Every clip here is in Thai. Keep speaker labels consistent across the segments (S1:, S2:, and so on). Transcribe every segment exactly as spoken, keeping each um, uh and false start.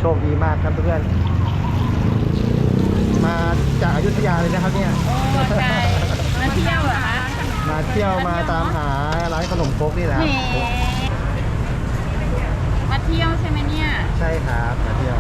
S1: โชคดีมากครับเพื่อนมาจากอยุธยาเลยนะครับเนี่ย
S2: โอ้ใช่มาเที่ยวเหรอคะ
S1: มาเที่ยวมาตามหาร้านขนมครกนี่แหละครับ
S2: มาเที่ยวใช่ไหมเนี่ย
S1: ใช่ครับมาเที่ยว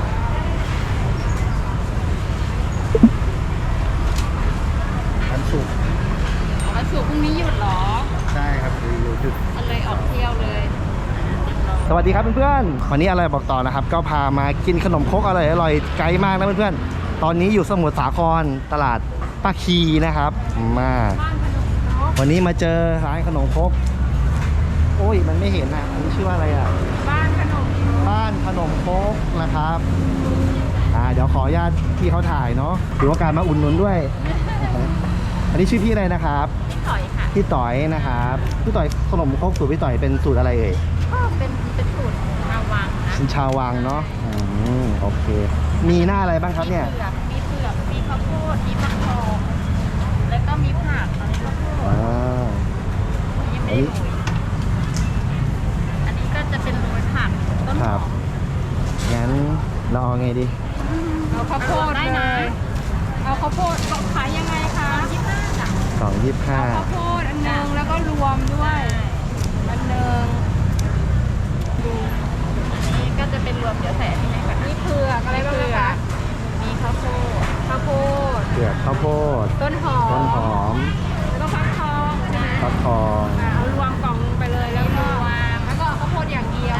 S1: วันศุกร์
S2: วันศุกร์พรุ่งนี้หยุดเหรอ
S1: ใช่ครับอยู่หยุด
S2: ก็เลยออกเที่ยวเลย
S1: สวัสดีครับเพื่อนๆวันนี้อะไรบอกต่อนะครับก็พามากินขนมครกอร่อยอร่อยไกลมากนะเพื่อนๆตอนนี้อยู่สมุทรสาครตลาดป้าคีนะครับมาวันนี้มาเจอร้านขนมครกโอ้ยมันไม่เห็นอ่ะอันนี้ชื่อว่าอะไรอ่ะ
S2: บ้านขนม
S1: บ้านขนมครกนะครับอ่าเดี๋ยวขออนุญาตพี่เขาถ่ายเนาะถือว่าการมาอุ่นนุนด้วย อันนี้ชื่อพี่อะไรนะครับ
S2: พี่ต่อยค่ะ
S1: พี่ต่อยนะครับพี่ต่อยขนมครกสูตรพี่ต่อยเป็นสูตรอะไรเอ่ย
S2: ก็เป็นเป็นสูตรชาววังนะ
S1: เป็นชาววังเนาะอืมโอเคมีหน้าอะไรบ้างครับเนี่ย
S2: มีเผือกมีข้าวโพดมีฟักทองแล้วก็มีผักตอนนี้ข้าวโพด
S1: อ่า
S2: ยังไม่ได้โรยอันนี้ก็จะเป็นโรยผักต้นหอม
S1: งั้นเราเอาไงดี
S2: เอาข้าวโพดได้นะเอาข้าวโพดขายยังไงคะยี่สิบห้าจ้ะ
S1: สองยี่สิบห้า
S2: ข้าวโพดอันนึงแล้วก็รวมด้วยอันนึงดูอันนี้ก็จะเป็นรวมเดี๋ยวใส่อันนี้ให้ก่อนมีเผือกอะไรบ้างคะมีข้าวโพดข้าวโพด
S1: เผือกข้าวโพด
S2: ต้นหอม
S1: ต้นหอม
S2: แล้วก็ฟักทองใช่ไหม
S1: ฟักทอง
S2: เอารวมกล่องไปเลยแล้วก็แล้วก็ข้าวโพดอย่างเดียว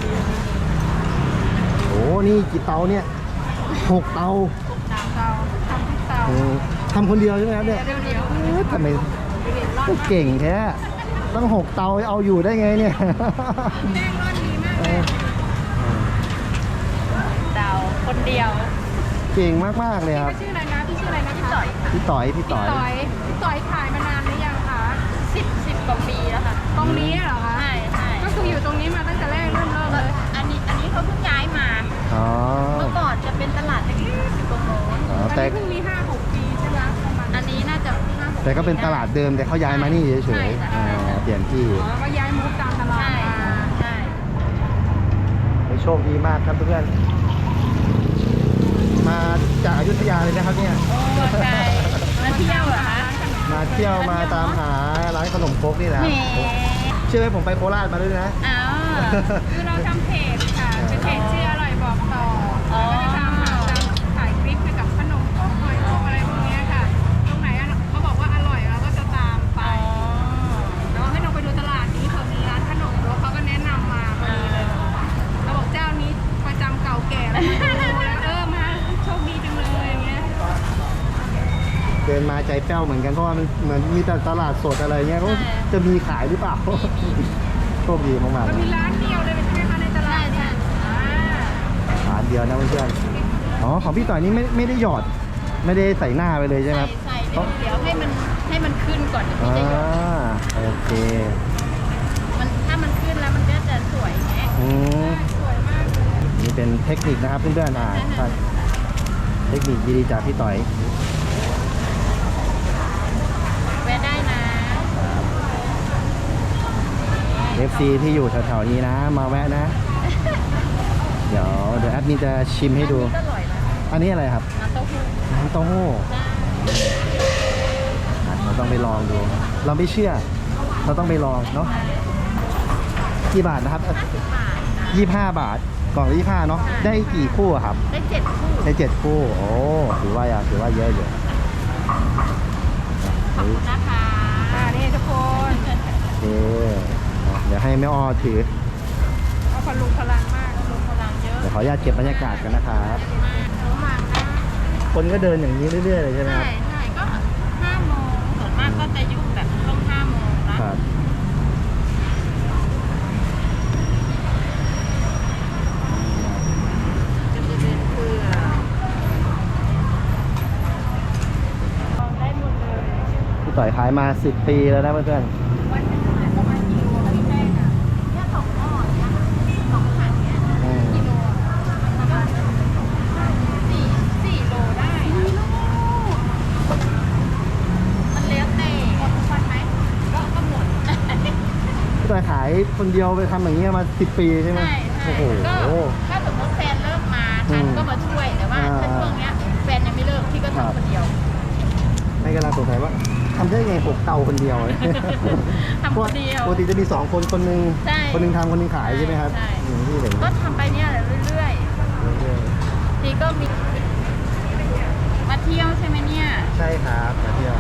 S1: โอ้นี่กี่เตาเนี่ยหกเตา
S2: เตาทำทุกเตา
S1: ทำคนเดียวใช่ไหมครับเนี่ยทำไมก็เก่งแท้ต้องหกเตาเอาอยู่ได้ไงเนี่ย
S2: แป้งร่อนดีมากเลยเตาคนเดียว
S1: เก่งมากๆเลยครับ
S2: พี่ชื่ออะไรนะพี่ชื่ออะไรนะพี่ต่อย
S1: พี่ต่อยพี่ต่อย
S2: พี่ต่อยขายมานานหรือยังคะสิบสิบกว่าปีแล้วค่ะตรงนี้เหรอคะใช่ใช่ก็คืออยู่ตรงนี้มาตั้งแต่แรกเริ่มเริ่มเลยอันนี้อันนี้เขาเพิ่งย้ายมาเมื่อก่อนจะเป็นตลาดเล็กๆสิบกว่าโมงแต่เพิ่งมีห้าหกปีใช่ไหมประมาณอันนี้น่าจะห้าหก
S1: แต่ก็เป็นตลาดเดิมแต่เขาย้ายมานี่เฉยๆเปลี่ยนที่
S2: อ๋อก็ย้ายมุกตามตลาดใช่
S1: โชคดีมากครับเพื่อนมาจากอยุธยาเลยนะครับเนี่ย
S2: โอ้ใช่มาเที่ยวเหรอคะ
S1: มาเที่ยวมาตามหาร้านขนมครกนี่แหละเชื่อไหมผมไปโคราชมาด้วยนะ
S2: อ๋อคือเราทำเพจค่ะเป็นเพจชื่ออร่อยบอกต่อก็จะตามหาตามถ่ายคลิปเกี่ยวกับขนมครกหอยโข่งอะไรพวกนี้ค่ะตรงไหนเขาบอกว่าอร่อยเราก็จะตามไปแล้วให้เราไปดูตลาดนี้เขามีร้านขนมครกเขาก็แนะนำมาพอดีเลยเราบอกเจ้านี้ประจำเก่าแก่แล้วเออมาโชคดีจังเลยอย่างเงี้ย
S1: เดินมาใจแป้วเหมือนกันเพราะว่ามันเหมือนมีแต่ตลาดสดอะไรเงี้ยเขาจะมีขายหรือเปล่าโชคดีมากๆ
S2: มีร้านเดียวเลยเป็นไหมคะในตลาดเนี่ย
S1: ร้านเดียวนะเพื่อนๆอ๋อของพี่ต่อยนี่ไม่ไม่ได้หยอดไม่ได้ใส่หน้าไปเลยใช่ไหมครับ
S2: ใส่เดี๋ยวให้มันให้มันขึ้นก่อน
S1: อ่าโอเค
S2: มันถ้ามันขึ้นแล้วมันก็จะสวยไง
S1: อืม
S2: สวยมาก
S1: นี่เป็นเทคนิคนะครับเพื่อนๆอ่าเทคนิคดีๆจากพี่ต่อย
S2: แวะได้นะ
S1: เอฟ ซี ที่อยู่แถวๆนี้นะมาแวะนะเดี๋ยวเดี๋ยวแอดมินจะชิมให้ดูอันนี้อะไรครับ
S2: น้ำเต้าหู้
S1: น้ำเต้าหู้เราต้องไปลองดูเราไม่เชื่อเราต้องไปลองเนาะกี่บาทนะครับยี่สิบห้าบาทกล่องละยี่สิบห้าเนาะได้กี่คู่ครับ
S2: ได้เจ็ดคู่
S1: ได้เจ็ดคู่โอ้ถือว่าอยากถือว่าเยอะอยู่
S2: ขอบคุณนะคะนี่ทุกคน
S1: โอเคเดี๋ยวให้แม่อ้อถือ
S2: เอาพลุงพลังมากพลุงพลังเยอะ
S1: เดี๋ยวขออนุญาตเก็บบรรยากาศกันนะครับคนก็เดินอย่างนี้เรื่อยๆเลยใช่ไหมครับ
S2: ใช่ใช่ก็ห้าโมงส่วนมากก็จะยุ่งแบบช่วงห้าโมงนะครับจะจะเป็นเพื่อได้หมดเลย
S1: พี่ต่อยขายมาสิบปีแล้วนะเพื่อน
S2: วันนึงขายประมาณกิโลแล้วพี่แป้งอ่ะแค่สองห่อเนี่ยสองถังเนี่ยกิโลประมาณสี่สี่โลได้มันเลี้ยงเตะหมดทุกวันไหมก็ก็หมด
S1: พี่ต่อยขายคนเดียวไปทำอย่างนี้มาสิบปีใช่ไหม
S2: ใช่
S1: โอ้โห
S2: ก็ถ้าสมมติแฟนเลิกมาท
S1: ำได้ไงหกเตาคนเดียว
S2: ทำคนเดียว
S1: ปกติจะมีสองคนคนหนึง
S2: ใช่
S1: คนหนึงทำคนหนึงขายใช่ไหมครับ
S2: ใช่
S1: อืมที่เห็น
S2: ก็ทำไปเนี่ยแหละเรื่อยๆทีก็มีมาเที่ยวใช่ไหมเนี่ย
S1: ใช่ครับมาเที่ยว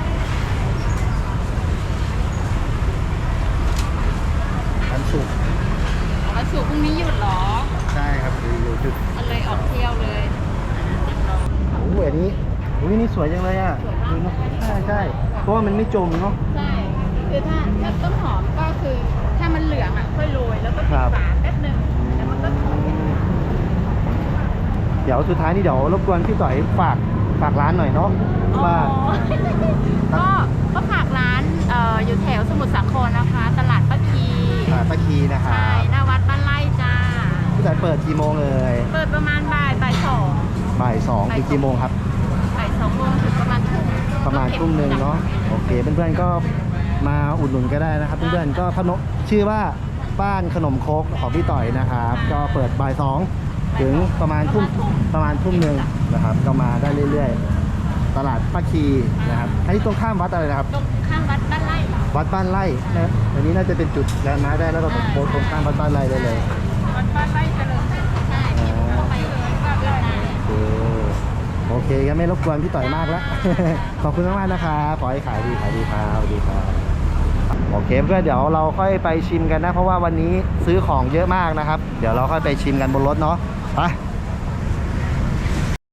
S1: วันศุกร์
S2: วันศุกร์พรุ่งนี้หยุดเหรอ
S1: ใช่ครับอยู่อยู่จุด
S2: มันเลยออกเที่ยวเลย
S1: โอ้โหอันนี้โอ้ยนี่สวยจังเลยอ่ะ
S2: สวยมาก
S1: ใช่ใช่เพราะว่ามันไม่จมเนาะ
S2: ใช่ คือถ้าถ้าต้นหอมก็คือถ้ามันเหลืองอ่ะค่อยโรยแล้วก็ปิ
S1: ครั
S2: ด
S1: บ
S2: ฝาแป๊บหนึ่งแล้วมันก็ถอย
S1: เดี๋ยวสุดท้ายนี่เดี๋ยวรบกวนพี่ต่อยฝากฝากร้านหน่อยเนาะ
S2: อ๋อ
S1: ว่า
S2: ก็ก็ฝากร้านเอ่ออยู่แถวสมุทรสาครนะคะ ตลาดป้าคี
S1: อ่าป้าคีนะครั
S2: ใช่
S1: บ
S2: หน้าวัดบ้านไร่จ้า
S1: พี่ต่อยเปิดกี่โมงเอ่ย
S2: เปิดประมาณบ่ายบ่ายสอง
S1: บ่ายสองถึงกี่โมงครับ
S2: บ่ายสองโมงถึงประมาณทุ่ม
S1: ประมาณทุ่มหนึ่งเนาะโอเคเพื่อนๆก็มาอุดหนุนก็ได้นะครับเพื่อนๆก็ขนมชื่อว่าบ้านขนมครกของพี่ต่อยนะครับ ก็เปิดบ่ายสองถึงประมาณทุ่มประมาณทุ่มหนึ่งนะครับก็มาได้เรื่อยๆ ตลาดป้าคีนะครับอันนี้ตรงข้ามวัดอะไรนะครับ
S2: ตรงข้างวัดบ้านไร่
S1: วัดบ้านไร่นะอันนี้น่าจะเป็นจุดแลนด์มาร์คได้แล้วเราโพสต์ตรงข้ามวัดบ้านไร่ได้เลย
S2: วัดบ้านไร่เจริญใช่เข้าไปเลยก็ได้
S1: โอเคโอเคก็ไม่รบกวนพี่ต่อยมากแล้ว ขอบคุณมากๆนะครับขอให้ขายดีขายดีครับสวัสดีครับโอเคเพื่อนเดี๋ยวเราค่อยไปชิมกันนะ เพราะว่าวันนี้ซื้อของเยอะมากนะครับ เดี๋ยวเราค่อยไปชิมกันบนรถเนาะไป